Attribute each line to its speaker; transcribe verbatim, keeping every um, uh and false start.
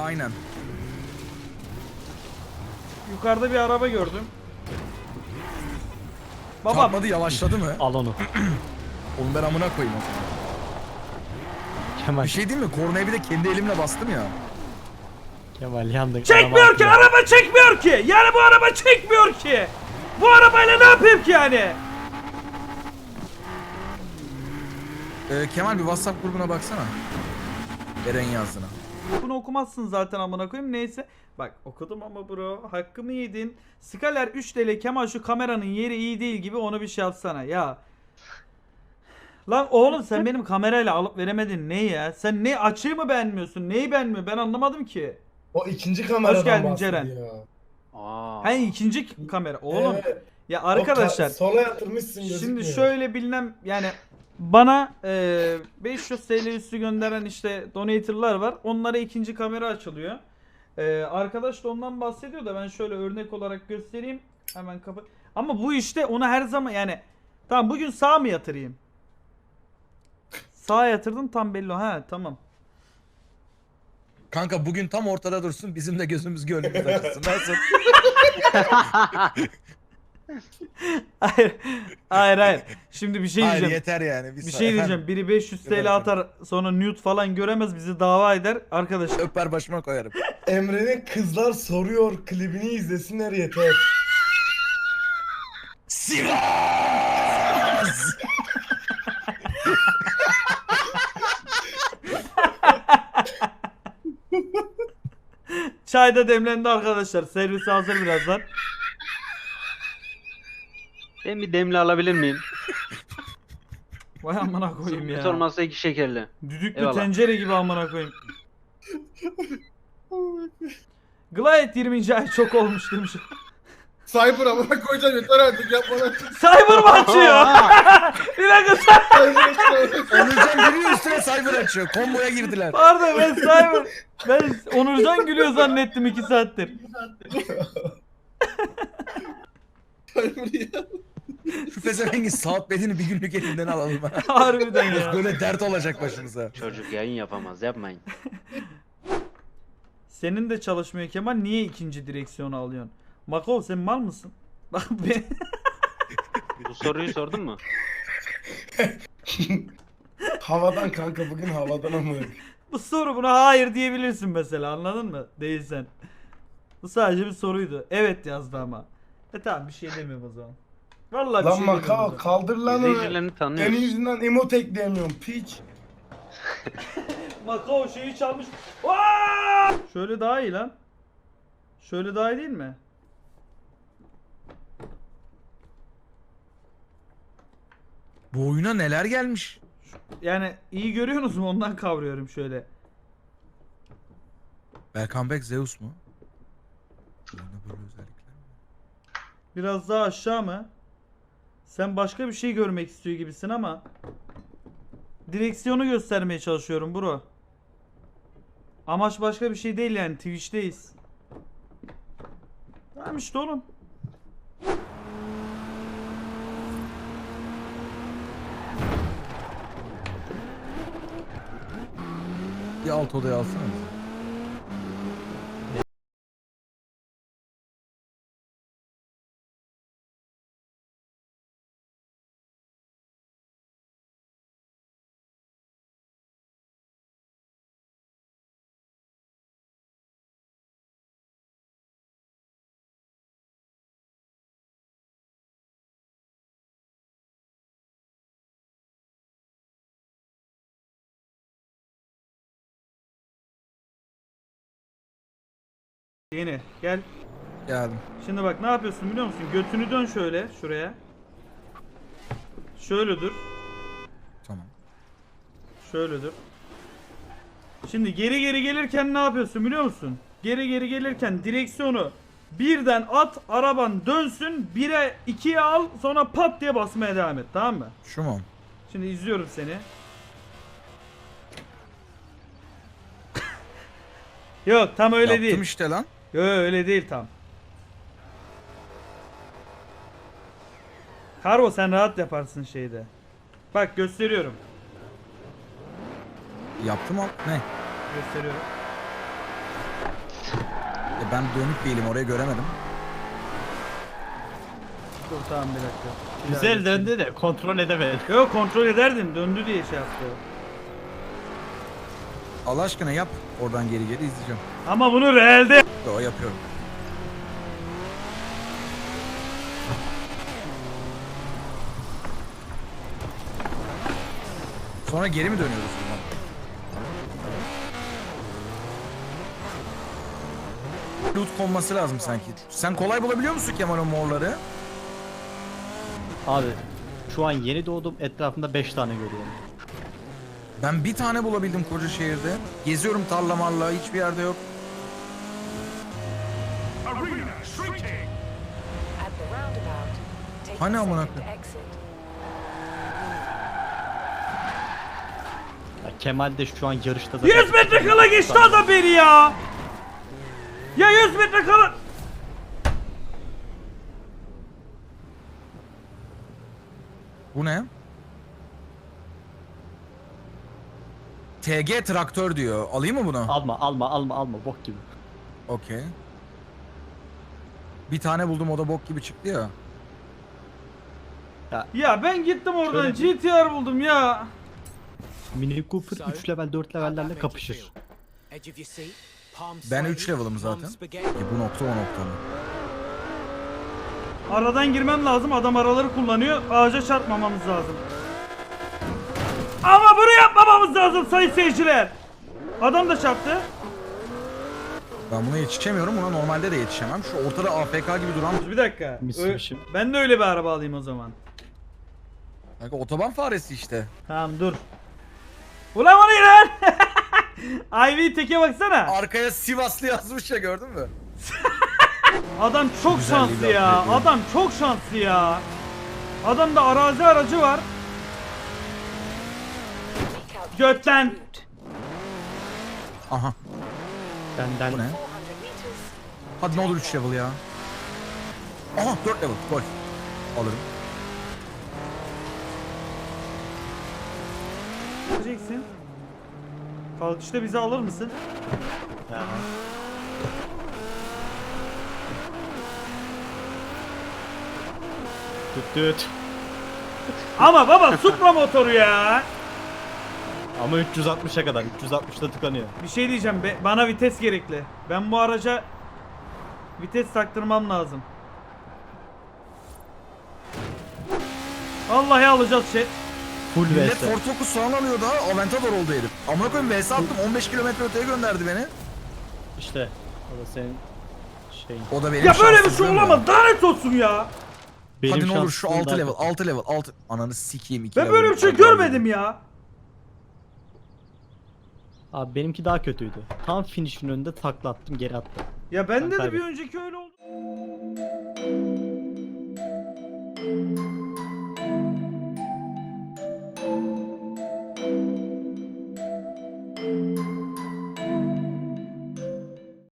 Speaker 1: Aynen.
Speaker 2: Yukarıda bir araba gördüm. Baba
Speaker 1: Çarpmadı, yavaşladı mı?
Speaker 3: Al onu.
Speaker 1: Onu ben amına koyayım o zaman.
Speaker 3: Kemal.
Speaker 1: Bir şey diyeyim mi? Kornaya bir de kendi elimle bastım ya.
Speaker 3: Kemal yandık.
Speaker 2: çekmiyor ki, araba çekmiyor ki. Yani bu araba çekmiyor ki. Bu arabayla ne yapayım ki yani?
Speaker 1: Ee, Kemal bir WhatsApp grubuna baksana. Eren yazdığına.
Speaker 2: Bunu okumazsın zaten amına koyayım. Neyse. Bak okudum ama bro. Hakkımı yedin. Skaler üç T L. Kemal şu kameranın yeri iyi değil gibi, onu bir şey yapsana ya. Lan oğlum sen benim kamerayla alıp veremedin ne ya? Sen ne açığı mı beğenmiyorsun? Neyi beğenmiyor? Ben anlamadım ki.
Speaker 4: O ikinci kameradan
Speaker 2: Hoş geldin
Speaker 4: bahsediyor.
Speaker 2: Ceren.
Speaker 3: Aa.
Speaker 2: Ha ikinci kamera. Oğlum.
Speaker 4: Evet.
Speaker 2: Ya
Speaker 4: O
Speaker 2: arkadaşlar.
Speaker 4: ka- sola yatırmışsın gözükmüyor.
Speaker 2: Şimdi şöyle bilmem yani bana e, beş yüz T L üstü gönderen işte donator'lar var. Onlara ikinci kamera açılıyor. E, arkadaş da ondan bahsediyor da ben şöyle örnek olarak göstereyim. Hemen kapı. Ama bu işte ona her zaman yani tamam bugün sağ mı yatırayım? Sağa yatırdım tam belli. Ha tamam.
Speaker 1: Kanka bugün tam ortada dursun, bizim de gözümüz gönlümüz açılsın. Nasıl?
Speaker 2: Hayır. Hayır hayır. Şimdi bir şey
Speaker 1: Hayır
Speaker 2: diyeceğim.
Speaker 1: yeter yani.
Speaker 2: Bir şey diyeceğim. Biri beş yüz T L atar sonra nude falan göremez, bizi dava eder. Arkadaşlar
Speaker 1: Öper başıma koyarım.
Speaker 4: Emre'nin kızlar soruyor klibini izlesinler yeter.
Speaker 1: Sivas!
Speaker 2: çay da demlendi arkadaşlar. Servise hazır birazdan.
Speaker 3: Ben bir demli alabilir miyim?
Speaker 2: Vay amına koyayım
Speaker 3: Hiç
Speaker 2: ya.
Speaker 3: olmazsa iki şekerli.
Speaker 2: Düdüklü
Speaker 3: Eyvallah.
Speaker 2: tencere gibi amına koyayım. Glayet yirminci ay çok olmuş demiş.
Speaker 4: Cyber amına koyacağım yeter artık yapma lan.
Speaker 2: Cyber mı açıyor? Bir dakika sen.
Speaker 1: Onurcan giriyor üstüne cyber açıyor. Komboya girdiler.
Speaker 2: Pardon ben Cyber. Ben Onurcan gülüyor zannettim iki saattir.
Speaker 1: Şu pezevengin saat bedeni bir günlük elinden alalım.
Speaker 2: Harbiden ya.
Speaker 1: Böyle dert olacak başımıza.
Speaker 3: Çocuk yayın yapamaz, yapmayın.
Speaker 2: Senin de çalışmıyor Kemal. Niye ikinci direksiyonu alıyorsun? Makol sen mal mısın? Bak ben...
Speaker 3: Bu soruyu sordun mu?
Speaker 4: Havadan kanka bugün havadan amına.
Speaker 2: Bu soru buna hayır diyebilirsin mesela, anladın mı? Değilsen. Bu sadece bir soruydu. Evet yazdı ama. E tamam bir şey demiyorum o zaman. Vallahi bir
Speaker 4: Lan
Speaker 2: şey demiyorum. o
Speaker 4: Makao
Speaker 2: zaman.
Speaker 4: kaldır lan onu.
Speaker 3: İzleyicilerini
Speaker 4: Senin
Speaker 3: tanıyoruz.
Speaker 4: yüzünden emote ekleyemiyorum piç.
Speaker 2: Makao şeyi çalmış. Aa! Şöyle daha iyi lan. Şöyle daha iyi değil mi?
Speaker 1: Bu oyuna neler gelmiş?
Speaker 2: Yani iyi görüyorsunuz mu? Ondan kavruyorum şöyle.
Speaker 1: Welcome back Zeus mu? Oyunda böyle özellikler mi?
Speaker 2: Biraz daha aşağı mı? Sen başka bir şey görmek istiyor gibisin ama. Direksiyonu göstermeye çalışıyorum bro. Amaç başka bir şey değil yani, Twitch'teyiz. Tamam işte oğlum.
Speaker 1: Bir alt odaya alsana.
Speaker 2: Yeni gel.
Speaker 1: Geldim.
Speaker 2: Şimdi bak ne yapıyorsun biliyor musun? Götünü dön şöyle şuraya. Şöyle dur.
Speaker 1: Tamam.
Speaker 2: Şöyle dur. Şimdi geri geri gelirken ne yapıyorsun biliyor musun? Geri geri gelirken direksiyonu birden at, araban dönsün, bire ikiye al, sonra pat diye basmaya devam et, tamam mı?
Speaker 1: Şu mu?
Speaker 2: Şimdi izliyorum seni. Yok tam öyle
Speaker 1: Yaptım
Speaker 2: değil.
Speaker 1: işte lan.
Speaker 2: Yok öyle değil tam. Karvo sen rahat yaparsın şeyde. Bak gösteriyorum.
Speaker 1: Yaptım al. Ne?
Speaker 2: Gösteriyorum.
Speaker 1: E ben dönük değilim, orayı göremedim.
Speaker 2: Dur tamam bir dakika.
Speaker 5: Güzel döndü de kontrol edemedim.
Speaker 2: Yok kontrol ederdim döndü diye şey yaptı.
Speaker 1: Allah aşkına yap. Oradan geri geri izleyeceğim.
Speaker 2: Ama bunu realde
Speaker 1: Yo, yapıyorum. Sonra geri mi dönüyoruz buradan? Loot konması lazım sanki. Sen kolay bulabiliyor musun Kemal o morları?
Speaker 5: Abi şu an yeni doğdum, etrafımda beş tane görüyorum.
Speaker 1: Ben bir tane bulabildim koca şehirde. Geziyorum tarla marla, hiçbir yerde yok.
Speaker 6: At the roundabout, take
Speaker 1: Hani
Speaker 6: the
Speaker 1: amına
Speaker 6: second
Speaker 1: koyayım?
Speaker 6: exit.
Speaker 5: Ya Kemal de şu an yarışta zaten...
Speaker 2: yüz metre kala geçti adam beni ya. Ya yüz metre kala.
Speaker 1: Bu ne? T G traktör diyor. Alayım mı bunu?
Speaker 5: Alma alma alma alma bok gibi.
Speaker 1: Okey. Bir tane buldum, o da bok gibi çıktı ya.
Speaker 2: Ya ben gittim oradan
Speaker 5: Şöyle
Speaker 2: G T R buldum ya.
Speaker 5: Mini Cooper üç level dört levellerle kapışır.
Speaker 1: Ben üç level'ım zaten. E bu nokta o nokta mı?
Speaker 2: Aradan girmem lazım. Adam araları kullanıyor. Ağaca çarpmamamız lazım. Ama bunu yapmamamız lazım sayın seyirciler. Adam da çarptı.
Speaker 1: Ben buna yetişemiyorum. Buna normalde de yetişemem. Şu ortada A F K gibi duran...
Speaker 2: Bir dakika. Ö-
Speaker 5: Mitsubishi.
Speaker 2: ben de öyle bir araba alayım o zaman.
Speaker 1: Kanka otoban faresi işte.
Speaker 2: Tamam dur. Ulan o ne lan? Ivy teke baksana.
Speaker 1: Arkaya Sivaslı yazmış ya, gördün mü?
Speaker 2: Adam çok
Speaker 1: Güzelliği
Speaker 2: şanslı
Speaker 1: de
Speaker 2: ya.
Speaker 1: upgrade
Speaker 2: Adam çok şanslı ya. Adamda arazi aracı var.
Speaker 6: Seek out the
Speaker 2: Götten.
Speaker 6: route.
Speaker 1: Aha.
Speaker 5: Benden
Speaker 1: Bu ne?
Speaker 6: four hundred meters.
Speaker 1: Hadi ne olur üç level ya. Aha dört level. Golf. Alırım.
Speaker 2: Ne yapacaksın? Kalkışta bizi alır mısın?
Speaker 5: ya. Düt düt.
Speaker 2: Ama baba Supra motoru ya.
Speaker 5: Ama üç yüz altmışa kadar. üç yüz altmışta tıkanıyor.
Speaker 2: Bir şey diyeceğim. Be- bana vites gerekli. Ben bu araca vites taktırmam lazım. Vallahi alacağız şey.
Speaker 5: Full
Speaker 1: Millet
Speaker 5: V S.
Speaker 1: Ford Focus falan alıyor daha. Aventador oldu herif. Amına koyayım V S attım. on beş kilometre öteye gönderdi beni.
Speaker 5: İşte. O da senin şeyin.
Speaker 1: O da benim
Speaker 2: Ya böyle bir şey
Speaker 1: şanssızlığım ya.
Speaker 2: olamaz. Lanet olsun ya.
Speaker 5: Benim
Speaker 1: Hadi ne olur şu
Speaker 5: şansım
Speaker 1: altı
Speaker 5: daha
Speaker 1: level,
Speaker 5: kötü.
Speaker 1: altı level, altı. Ananı sikeyim iki
Speaker 2: Ben
Speaker 1: level.
Speaker 2: böyle bir şey
Speaker 1: Hadi
Speaker 2: görmedim
Speaker 1: alayım.
Speaker 2: ya.
Speaker 5: Abi benimki daha kötüydü. Tam finish'in önünde takla attım, geri attım.
Speaker 2: Ya bende de bir
Speaker 5: kaybettim.
Speaker 2: önceki öyle oldu.